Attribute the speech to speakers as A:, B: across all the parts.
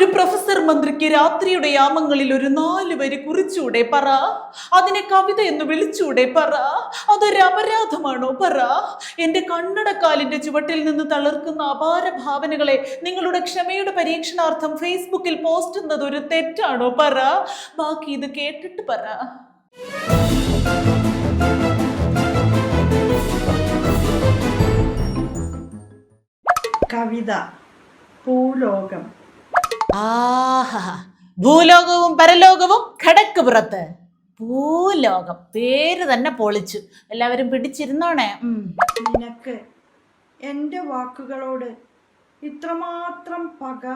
A: ഒരു പ്രൊഫസർ മന്ത്രിക്ക് രാത്രിയുടെ യാമങ്ങളിൽ ഒരു 4 വരി കുറിച്ചൂടെ പറ? അതിനെ കവിത എന്ന് വിളിച്ചൂടെ പറ? അതൊരു അപരാധമാണോ പറ? എന്റെ കണ്ണടക്കാലിന്റെ ചുവട്ടിൽ നിന്ന് തളിർക്കുന്ന അപാര ഭാവനകളെ നിങ്ങളുടെ ക്ഷമയുടെ പരീക്ഷണാർത്ഥം ഫേസ്ബുക്കിൽ പോസ്റ്റ് ചെയ്യുന്നത് ഒരു തെറ്റാണോ പറ? ബാക്കി ഇത് കേട്ടിട്ട് പറ.
B: കവിത ഭൂലോകം.
A: ആഹാ, ഭൂലോകവും പരലോകവും ഖടക്ക് പുറത്ത്. ഭൂലോകം പേര് തന്നെ പൊളിച്ചു. എല്ലാവരും പിടിച്ചിരുന്നോണേ.
B: നിനക്ക് എൻ്റെ വാക്കുകളോട് ഇത്രമാത്രം പക,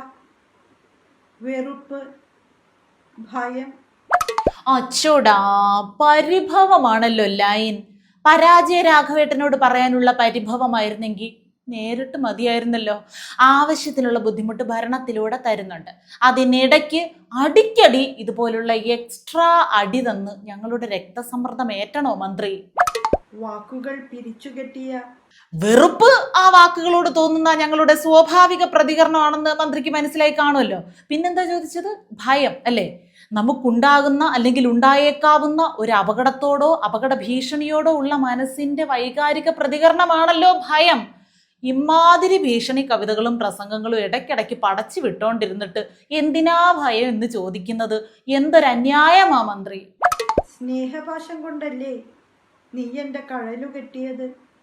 B: വെറുപ്പ്, ഭയം?
A: അച്ചോടാ, പരിഭവമാണല്ലോ ലൈൻ. പരാജയ രാഘവേട്ടനോട് പറയാനുള്ള പരിഭവമായിരുന്നെങ്കിൽ നേരിട്ട് മതിയായിരുന്നല്ലോ. ആവശ്യത്തിനുള്ള ബുദ്ധിമുട്ട് ഭരണത്തിലൂടെ തരുന്നുണ്ട്. അതിനിടയ്ക്ക് അടിക്കടി ഇതുപോലുള്ള എക്സ്ട്രാ അടി തന്ന് ഞങ്ങളുടെ രക്തസമ്മർദ്ദം ഏറ്റണോ മന്ത്രി?
B: വാക്കുകൾ പിരിച്ചുകെട്ടിയ
A: വെറുപ്പ് ആ വാക്കുകളോട് തോന്നുന്ന ഞങ്ങളുടെ സ്വാഭാവിക പ്രതികരണമാണെന്ന് മന്ത്രിക്ക് മനസ്സിലായി കാണുമല്ലോ. പിന്നെന്താ ചോദിച്ചത്? ഭയം അല്ലേ? നമുക്കുണ്ടാകുന്ന അല്ലെങ്കിൽ ഉണ്ടായേക്കാവുന്ന ഒരു അപകടത്തോടോ അപകട ഭീഷണിയോടോ ഉള്ള മനസ്സിന്റെ വൈകാരിക പ്രതികരണമാണല്ലോ ഭയം. ഇമാതിരി ഭീഷണി കവിതകളും പ്രസംഗങ്ങളും ഇടയ്ക്കിടയ്ക്ക് പടച്ചു വിട്ടോണ്ടിരുന്നിട്ട് എന്തിനാ ഭയം എന്ന് ചോദിക്കുന്നത് എന്തൊരന്യായമാ മന്ത്രി.
B: സ്നേഹപാശം കൊണ്ടല്ലേ നീ എൻ്റെ കഴലു കെട്ടിയത്,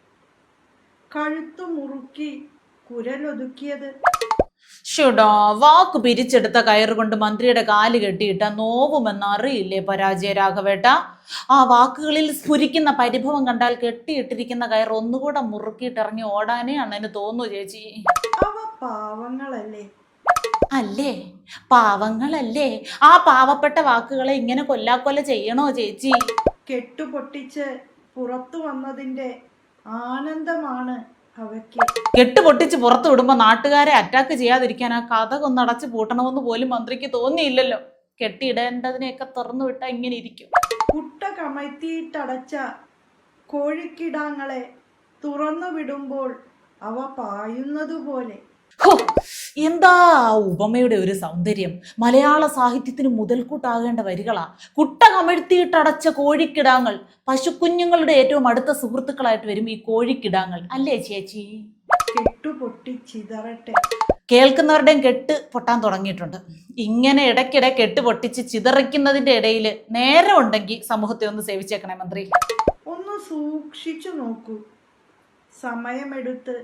B: കഴുത്തു മുറുക്കി കുരലൊതുക്കിയത്?
A: ഷുഡാ, വാക്ക് പിരിച്ചെടുത്ത കയറുകൊണ്ട് മന്ത്രിയുടെ കാല് കെട്ടിയിട്ട നോവുമെന്നറിയില്ലേ പരാജയ രാഘവേട്ട? ആ വാക്കുകളിൽ സ്ഫുരിക്കുന്ന പരിഭവം കണ്ടാൽ കെട്ടിയിട്ടിരിക്കുന്ന കയർ ഒന്നുകൂടെ മുറുക്കിയിട്ട് ഇറങ്ങി ഓടാനേ അണ്ണന് തോന്നു ചേച്ചി.
B: അവ പാവങ്ങളല്ലേ?
A: അല്ലേ, പാവങ്ങളല്ലേ? ആ പാവപ്പെട്ട വാക്കുകളെ ഇങ്ങനെ കൊല്ലാക്കൊല ചെയ്യണോ ചേച്ചി?
B: കെട്ടുപൊട്ടിച്ച് പുറത്തു വന്നതിൻ്റെ ആനന്ദമാണ് അവയ്ക്ക്.
A: കെട്ടുപൊട്ടിച്ച് പുറത്തു വിടുമ്പോ നാട്ടുകാരെ അറ്റാക്ക് ചെയ്യാതിരിക്കാൻ ആ കഥ കൊന്നടച്ച് പൂട്ടണമെന്ന് പോലും മന്ത്രിക്ക് തോന്നിയില്ലല്ലോ. കെട്ടിയിടേണ്ടതിനെയൊക്കെ തുറന്നു വിട്ടാ ഇങ്ങനെ ഇരിക്കും.
B: കുട്ട കമഴ്ത്തിയിട്ടടച്ച കോഴിക്കിടാങ്ങളെ തുറന്നു വിടുമ്പോൾ അവ പായുന്നതുപോലെ.
A: എന്താ ഉപമയുടെ ഒരു സൗന്ദര്യം! മലയാള സാഹിത്യത്തിന് മുതൽക്കൂട്ടാകേണ്ട വരികളാ. കുട്ട കമഴ്ത്തിയിട്ടടച്ച കോഴിക്കിടാങ്ങൾ. പശുക്കുഞ്ഞുങ്ങളുടെ ഏറ്റവും അടുത്ത സുഹൃത്തുക്കളായിട്ട് വരും ഈ കോഴിക്കിടാങ്ങൾ, അല്ലേ ചേച്ചി?
B: കെട്ടുപൊട്ടിച്ചിതറട്ടെ.
A: കേൾക്കുന്നവരുടെയും കെട്ട് പൊട്ടാൻ തുടങ്ങിയിട്ടുണ്ട്. ഇങ്ങനെ ഇടയ്ക്കിടെ കെട്ട് പൊട്ടിച്ച് ചിതറിക്കുന്നതിന്റെ ഇടയിൽ നേരം ഉണ്ടെങ്കിൽ സമൂഹത്തെ ഒന്ന് സേവിച്ചേക്കണേ മന്ത്രി.
B: ഒന്ന് സൂക്ഷിച്ചു നോക്കൂ. സമയമെടുത്ത്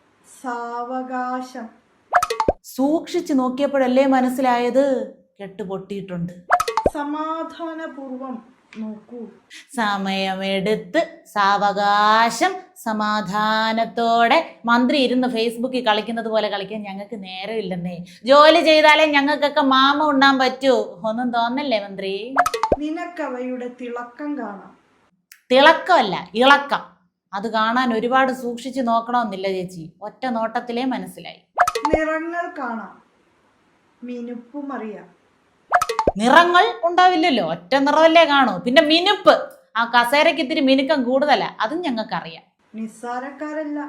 B: സാവകാശം.
A: സൂക്ഷിച്ചു നോക്കിയപ്പോഴല്ലേ മനസ്സിലായത് കെട്ട് പൊട്ടിയിട്ടുണ്ട്.
B: സമാധാനപൂർവം നോക്കൂ.
A: സമയമെടുത്ത് സാവകാശം സമാധാനത്തോടെ. മന്ത്രി ഇരുന്ന് ഫേസ്ബുക്കിൽ കളിക്കുന്നത് പോലെ കളിക്കാൻ ഞങ്ങൾക്ക് നേരമില്ലെന്നേ. ജോലി ചെയ്താലേ ഞങ്ങൾക്കൊക്കെ മാമ ഉണ്ണാൻ പറ്റൂ. ഒന്നും തോന്നല്ലേ മന്ത്രി?
B: നിനക്കവയുടെ തിളക്കം കാണാം.
A: തിളക്കമല്ല, ഇളക്കം. അത് കാണാൻ ഒരുപാട് സൂക്ഷിച്ചു നോക്കണമെന്നില്ല ചേച്ചി. ഒറ്റ നോട്ടത്തിലേ മനസ്സിലായി.
B: നിറങ്ങൾ കാണാം, മിനുപ്പും അറിയാം.
A: നിറങ്ങൾ ഉണ്ടാവില്ലല്ലോ, ഒറ്റ നിറമല്ലേ കാണൂ. പിന്നെ മിനുപ്പ്, ആ കസേരയ്ക്ക് ഇത്തിരി മിനുക്കം കൂടുതലാ, അതും ഞങ്ങൾക്കറിയാം.
B: നിസ്സാരക്കാരല്ല,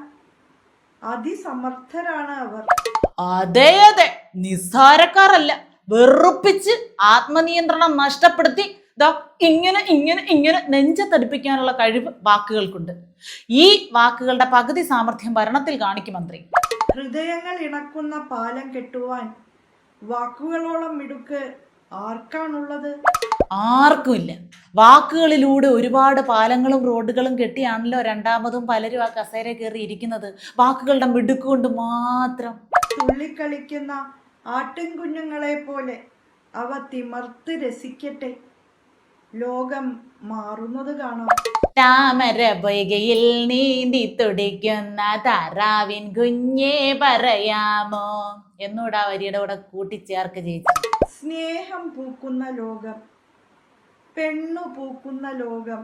B: അതിസമർത്ഥരാണ് അവർ.
A: അതെ അതെ, നിസ്സാരക്കാരല്ല. വെറുപ്പിച്ച് ആത്മനിയന്ത്രണം നഷ്ടപ്പെടുത്തി ഇങ്ങനെ ഇങ്ങനെ ഇങ്ങനെ നെഞ്ചത്തടിപ്പിക്കാനുള്ള കഴിവ് വാക്കുകൾക്കുണ്ട്. ഈ വാക്കുകളുടെ പകുതി സാമർഥ്യം ഭരണത്തിൽ കാണിക്കും മന്ത്രി.
B: ഹൃദയങ്ങൾ ഇണക്കുന്ന പാലം കെട്ടുവാൻ വാക്കുകളോളം മിടുക്ക് ആർക്കാണുള്ളത്?
A: ആർക്കുമില്ല. വാക്കുകളിലൂടെ ഒരുപാട് പാലങ്ങളും റോഡുകളും കെട്ടിയാണല്ലോ രണ്ടാമതും പലരും ആ കസേര കയറി ഇരിക്കുന്നത്. വാക്കുകളുടെ മിടുക്കുകൊണ്ട് മാത്രം.
B: തുള്ളിക്കളിക്കുന്ന ആട്ടിൻകുഞ്ഞുങ്ങളെ പോലെ അവ തിമർത്ത് രസിക്കട്ടെ. ലോകം മാറുന്നത് കാണാം.
A: താമര പൊയ്കയിൽ നീന്തി തുടിക്കുന്ന താറാവിൻ കുഞ്ഞേ പറയാമോ എന്നൂടാ വരിയുടെ കൂടെ കൂട്ടിച്ചേർക്ക് ചേച്ചി.
B: സ്നേഹം പൂക്കുന്ന ലോകം, പെണ്ണു പൂക്കുന്ന ലോകം,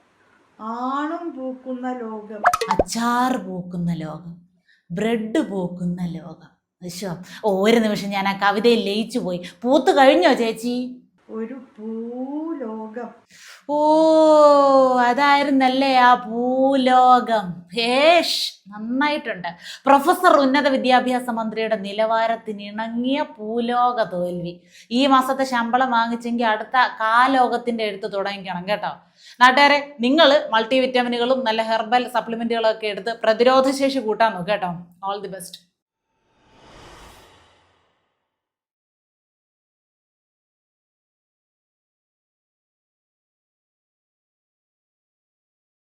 B: ആണും പൂക്കുന്ന ലോകം,
A: അച്ചാർ പൂക്കുന്ന ലോകം, ബ്രെഡ് പൂക്കുന്ന ലോകം. ഒരു നിമിഷം ഞാൻ ആ കവിതയിൽ ലയിച്ചു പോയി. പൂത്തു കഴിഞ്ഞോ ചേച്ചി?
B: ഒരു പൂലോകം.
A: ഓ, അതായിരുന്നല്ലേ ആ ഭൂലോകം. ഭേഷ്, നന്നായിട്ടുണ്ട്. പ്രൊഫസർ ഉന്നത വിദ്യാഭ്യാസ മന്ത്രിയുടെ നിലവാരത്തിന് ഇണങ്ങിയ ഭൂലോക തോൽവി. ഈ മാസത്തെ ശമ്പളം വാങ്ങിച്ചെങ്കിൽ അടുത്ത കാലോകത്തിന്റെ എഴുത്ത് തുടങ്ങിക്കണം കേട്ടോ. നാട്ടുകാരെ, നിങ്ങൾ മൾട്ടി വിറ്റാമിനുകളും നല്ല ഹെർബൽ സപ്ലിമെന്റുകളും ഒക്കെ എടുത്ത് പ്രതിരോധ ശേഷി കൂട്ടാൻ നോക്കുക കേട്ടോ. All the best.